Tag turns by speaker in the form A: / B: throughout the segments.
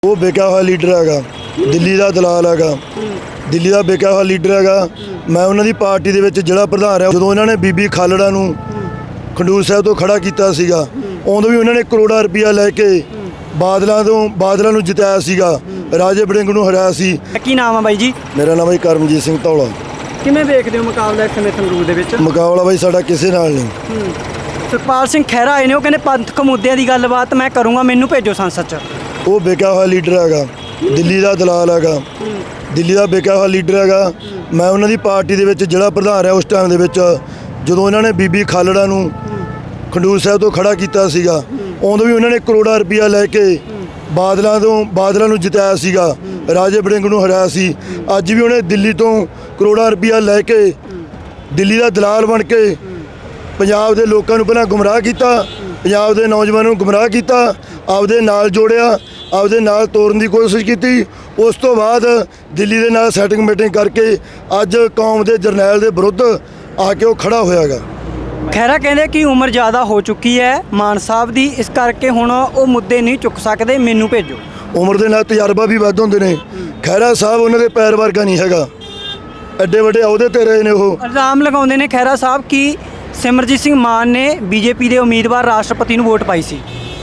A: ਉਹ ਵਿਕਿਆ ਹੋਇਆ ਲੀਡਰ ਹੈਗਾ, ਦਿੱਲੀ ਦਾ ਦਲਾਲ ਹੈਗਾ, ਦਿੱਲੀ ਦਾ ਵਿਕਿਆ ਹੋਇਆ ਲੀਡਰ ਹੈਗਾ। ਮੈਂ ਉਹਨਾਂ ਦੀ ਪਾਰਟੀ ਦੇ ਵਿੱਚ ਜ਼ਿਲ੍ਹਾ ਪ੍ਰਧਾਨ ਰਿਹਾ ਜਦੋਂ ਇਹਨਾਂ ਨੇ ਬੀਬੀ ਖਾਲੜਾ ਨੂੰ ਖਡੂਰ ਸਾਹਿਬ ਤੋਂ ਖੜਾ ਕੀਤਾ ਸੀਗਾ। ਉਦੋਂ ਵੀ ਉਹਨਾਂ ਨੇ ਕਰੋੜਾਂ ਰੁਪਈਆ ਲੈ ਕੇ ਬਾਦਲਾਂ ਨੂੰ ਜਿਤਾਇਆ ਸੀਗਾ, ਰਾਜੇ ਵੜਿੰਗ ਨੂੰ ਹਰਾਇਆ ਸੀ।
B: ਕੀ ਨਾਮ ਆ ਬਾਈ ਜੀ?
A: ਮੇਰਾ ਨਾਮ ਬਾਈ ਕਰਮਜੀਤ ਸਿੰਘ ਧੌਲਾ।
B: ਕਿਵੇਂ ਵੇਖਦੇ ਹੋ ਮੁਕਾਬਲਾ ਇਸ ਸਮੇਂ ਸੰਗਰੂਰ ਦੇ ਵਿੱਚ?
A: ਮੁਕਾਬਲਾ ਬਾਈ ਸਾਡਾ ਕਿਸੇ ਨਾਲ ਨਹੀਂ।
B: ਸੁਖਪਾਲ ਸਿੰਘ ਖਹਿਰਾ ਆਏ ਨੇ, ਉਹ ਕਹਿੰਦੇ ਪੰਥਕ ਮੁੱਦਿਆਂ ਦੀ ਗੱਲਬਾਤ ਮੈਂ ਕਰੂੰਗਾ, ਮੈਨੂੰ ਭੇਜੋ ਸੰਸਦ 'ਚ।
A: ਉਹ ਵਿਕਿਆ ਹੋਇਆ ਲੀਡਰ ਹੈਗਾ, ਦਿੱਲੀ ਦਾ ਦਲਾਲ ਹੈਗਾ, ਦਿੱਲੀ ਦਾ ਵਿਕਿਆ ਹੋਇਆ ਲੀਡਰ ਹੈਗਾ। ਮੈਂ ਉਹਨਾਂ ਦੀ ਪਾਰਟੀ ਦੇ ਵਿੱਚ ਜ਼ਿਲ੍ਹਾ ਪ੍ਰਧਾਨ ਰਿਹਾ ਉਸ ਟਾਈਮ ਦੇ ਵਿੱਚ ਜਦੋਂ ਇਹਨਾਂ ਨੇ ਬੀਬੀ ਖਾਲੜਾ ਨੂੰ ਖਡੂਰ ਸਾਹਿਬ ਤੋਂ ਖੜਾ ਕੀਤਾ ਸੀਗਾ। ਉਦੋਂ ਵੀ ਉਹਨਾਂ ਨੇ ਕਰੋੜਾਂ ਰੁਪਈਆ ਲੈ ਕੇ ਬਾਦਲਾਂ ਨੂੰ ਜਿਤਾਇਆ ਸੀਗਾ, ਰਾਜੇ ਵੜਿੰਗ ਨੂੰ ਹਰਾਇਆ ਸੀ। ਅੱਜ ਵੀ ਉਹਨੇ ਦਿੱਲੀ ਤੋਂ ਕਰੋੜਾਂ ਰੁਪਈਆ ਲੈ ਕੇ ਦਿੱਲੀ ਦਾ ਦਲਾਲ ਬਣ ਕੇ ਪੰਜਾਬ ਦੇ ਲੋਕਾਂ ਨੂੰ ਪਹਿਲਾਂ ਗੁੰਮਰਾਹ ਕੀਤਾ, ਪੰਜਾਬ ਦੇ ਨੌਜਵਾਨਾਂ ਨੂੰ ਗੁੰਮਰਾਹ ਕੀਤਾ, ਆਪਦੇ ਨਾਲ ਜੋੜਿਆ, ਆਪਦੇ ਨਾਲ ਤੋਰਨ ਦੀ ਕੋਸ਼ਿਸ਼ ਕੀਤੀ। ਉਸ ਤੋਂ ਬਾਅਦ ਦਿੱਲੀ ਦੇ ਨਾਲ ਸੈਟਿੰਗ ਮੀਟਿੰਗ ਕਰਕੇ ਅੱਜ ਕੌਮ ਦੇ ਜਰਨੈਲ ਦੇ ਵਿਰੁੱਧ ਆ ਕੇ ਉਹ ਖੜਾ ਹੋਇਆਗਾ।
B: ਖਹਿਰਾ ਕਹਿੰਦੇ ਕਿ ਉਮਰ ਜ਼ਿਆਦਾ ਹੋ ਚੁੱਕੀ ਹੈ ਮਾਨ ਸਾਹਿਬ ਦੀ, ਇਸ ਕਰਕੇ ਹੁਣ ਉਹ ਮੁੱਦੇ ਨਹੀਂ ਚੁੱਕ ਸਕਦੇ, ਮੈਨੂੰ ਭੇਜੋ।
A: ਉਮਰ ਦੇ ਨਾਲ ਤਜਰਬਾ ਵੀ ਵੱਧ ਹੁੰਦੇ ਨੇ। ਖਹਿਰਾ ਸਾਹਿਬ ਉਹਨਾਂ ਦੇ ਪੈਰ ਵਰਗਾ ਨਹੀਂ ਹੈਗਾ, ਐਡੇ ਵੱਡੇ ਅਹੁਦੇ ਤੇ ਰਹੇ ਨੇ। ਉਹ
B: ਇਲਜ਼ਾਮ ਲਗਾਉਂਦੇ ਨੇ ਖਹਿਰਾ ਸਾਹਿਬ ਕਿ ਸਿਮਰਜੀਤ ਸਿੰਘ ਮਾਨ ਨੇ ਬੀਜੇਪੀ ਦੇ ਉਮੀਦਵਾਰ ਰਾਸ਼ਟਰਪਤੀ ਨੂੰ ਵੋਟ ਪਾਈ ਸੀ।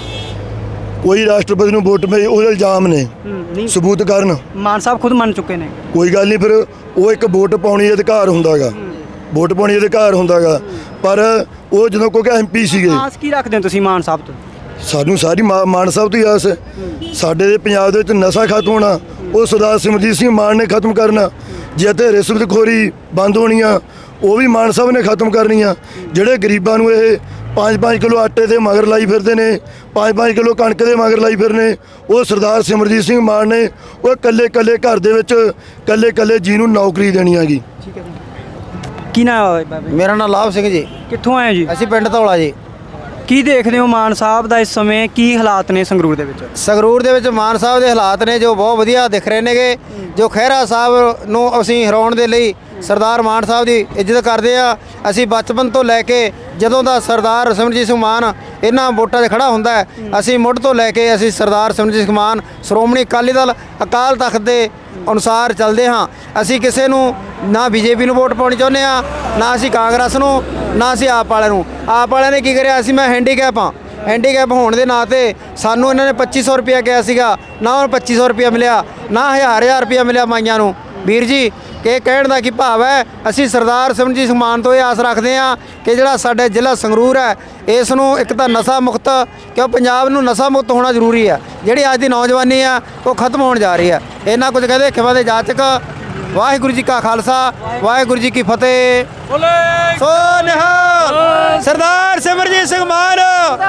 A: ਕੋਈ ਰਾਸ਼ਟਰਪਤੀ ਨੂੰ ਵੋਟ ਪਾਈ, ਉਹਦੇ ਇਲਜ਼ਾਮ ਨੇ, ਸਬੂਤ ਕਰਨ।
B: ਮਾਨ ਸਾਹਿਬ ਖੁਦ ਮੰਨ ਚੁੱਕੇ ਨੇ। ਕੋਈ
A: ਗੱਲ ਨਹੀਂ, ਫਿਰ ਉਹ ਇੱਕ ਵੋਟ ਪਾਉਣੀ ਅਧਿਕਾਰ ਹੁੰਦਾਗਾ, ਵੋਟ ਪਾਉਣੀ ਅਧਿਕਾਰ ਹੁੰਦਾਗਾ। ਪਰ ਉਹ ਜਦੋਂ ਕੋਈ ਐਮਪੀ ਸੀਗੇ।
B: ਆਸ ਕੀ ਰੱਖਦੇ ਹੋ ਤੁਸੀਂ ਮਾਨ ਸਾਹਿਬ ਤੋਂ?
A: ਸਾਨੂੰ ਸਾਰੀ ਮਾਨ ਸਾਹਿਬ ਤੋਂ ਹੀ ਆਸ ਹੈ। ਸਾਡੇ ਦੇ ਪੰਜਾਬ ਦੇ ਵਿੱਚ ਨਸ਼ਾ ਖਤਮ ਹੋਣਾ ਉਹ ਸਰਦਾਰ ਸਿਮਰਜੀਤ ਸਿੰਘ ਮਾਨ ਨੇ ਖਤਮ ਕਰਨਾ। ਜੇ ਤੇ ਰਿਸ਼ਵਤਖੋਰੀ ਬੰਦ ਹੋਣੀ ਆ ਉਹ ਵੀ ਮਾਨ ਸਾਹਿਬ ਨੇ ਖਤਮ ਕਰਨੀ ਆ। ਜਿਹੜੇ ਗਰੀਬਾਂ ਨੂੰ ਇਹ 5-5 ਕਿਲੋ ਆਟੇ ਦੇ ਮਗਰ ਲਾਈ ਫਿਰਦੇ ਨੇ, 5-5 ਕਿਲੋ ਕਣਕ ਦੇ ਮਗਰ ਲਾਈ ਫਿਰਨੇ, ਉਹ ਸਰਦਾਰ ਸਿਮਰਜੀਤ ਸਿੰਘ ਮਾਨ ਨੇ ਉਹ ਇਕੱਲੇ ਘਰ ਦੇ ਵਿੱਚ ਇਕੱਲੇ ਜੀ ਨੂੰ ਨੌਕਰੀ ਦੇਣੀ ਹੈਗੀ।
B: ਠੀਕ ਹੈ ਜੀ। ਕੀ ਨਾਮ ਹੈ?
C: ਮੇਰਾ ਨਾਮ ਲਾਭ ਸਿੰਘ ਜੀ।
B: ਕਿੱਥੋਂ ਆਏ ਜੀ?
C: ਅਸੀਂ ਪਿੰਡ ਧੌਲਾ ਜੀ।
B: ਕੀ ਦੇਖਦੇ ਹੋ ਮਾਨ ਸਾਹਿਬ ਦਾ ਇਸ ਸਮੇਂ, ਕੀ ਹਾਲਾਤ ਨੇ ਸੰਗਰੂਰ ਦੇ ਵਿੱਚ?
C: ਸੰਗਰੂਰ ਦੇ ਵਿੱਚ ਮਾਨ ਸਾਹਿਬ ਦੇ ਹਾਲਾਤ ਨੇ ਜੋ ਬਹੁਤ ਵਧੀਆ ਦਿਖ ਰਹੇ ਨੇਗੇ। ਜੋ ਖਹਿਰਾ ਸਾਹਿਬ ਨੂੰ ਅਸੀਂ ਹਰਾਉਣ ਦੇ ਲਈ ਸਰਦਾਰ ਮਾਨ ਸਾਹਿਬ ਦੀ ਇੱਜ਼ਤ ਕਰਦੇ ਆ। ਅਸੀਂ ਬਚਪਨ ਤੋਂ ਲੈ ਕੇ ਜਦੋਂ ਦਾ ਸਰਦਾਰ ਸਿਮਰਜੀਤ ਸਿੰਘ ਮਾਨ ਇਹਨਾਂ ਵੋਟਾਂ 'ਤੇ ਖੜਾ ਹੁੰਦਾ ਹੈ, ਅਸੀਂ ਮੁੱਢ ਤੋਂ ਲੈ ਕੇ ਅਸੀਂ ਸਰਦਾਰ ਸਿਮਰਜੀਤ ਸਿੰਘ ਮਾਨ ਸ਼੍ਰੋਮਣੀ ਅਕਾਲੀ ਦਲ ਅਕਾਲ ਤਖਤ ਦੇ ਅਨੁਸਾਰ ਚੱਲਦੇ ਹਾਂ। ਅਸੀਂ ਕਿਸੇ ਨੂੰ ਨਾ ਬੀਜੇਪੀ ਨੂੰ ਵੋਟ ਪਾਉਣੀ ਚਾਹੁੰਦੇ ਹਾਂ, ਨਾ ਅਸੀਂ ਕਾਂਗਰਸ ਨੂੰ, ਨਾ ਅਸੀਂ ਆਪ ਵਾਲਿਆਂ ਨੂੰ। ਆਪ ਵਾਲਿਆਂ ਨੇ ਕੀ ਕਰਿਆ? ਅਸੀਂ ਮੈਂ ਹੈਂਡੀਕੈਪ ਹਾਂ, ਹੈਂਡੀਕੈਪ ਹੋਣ ਦੇ ਨਾਂ 'ਤੇ ਸਾਨੂੰ ਇਹਨਾਂ ਨੇ 2500 ਰੁਪਇਆ ਕਿਹਾ ਸੀਗਾ, ਨਾ ਉਹਨੂੰ 2500 ਰੁਪਇਆ ਮਿਲਿਆ, ਨਾ 1000 ਰੁਪਇਆ ਮਿਲਿਆ ਮਾਈਆਂ ਨੂੰ। ਵੀਰ ਜੀ ਕਿ ਕਹਿਣ ਦਾ ਕੀ ਭਾਵ ਹੈ, ਅਸੀਂ ਸਰਦਾਰ ਸਿਮਰਜੀਤ ਸਿੰਘ ਮਾਨ ਤੋਂ ਇਹ ਆਸ ਰੱਖਦੇ ਹਾਂ ਕਿ ਜਿਹੜਾ ਸਾਡੇ ਜ਼ਿਲ੍ਹਾ ਸੰਗਰੂਰ ਹੈ ਇਸ ਨੂੰ ਇੱਕ ਤਾਂ ਨਸ਼ਾ ਮੁਕਤ, ਕਿਉਂ ਪੰਜਾਬ ਨੂੰ ਨਸ਼ਾ ਮੁਕਤ ਹੋਣਾ ਜ਼ਰੂਰੀ ਹੈ। ਜਿਹੜੀ ਅੱਜ ਦੀ ਨੌਜਵਾਨੀ ਆ ਉਹ ਖਤਮ ਹੋਣ ਜਾ ਰਹੀ ਹੈ। ਇਹਨਾਂ ਕੁਝ ਕਹਿੰਦੇ ਖਿਵਾ ਦੇ ਜਾਚਕ। ਵਾਹਿਗੁਰੂ ਜੀ ਕਾ ਖਾਲਸਾ, ਵਾਹਿਗੁਰੂ ਜੀ ਕੀ ਫਤਿਹ। ਸੋ ਨਿਹਾਲ। ਸਰਦਾਰ ਸਿਮਰਜੀਤ ਸਿੰਘ ਮਾਨ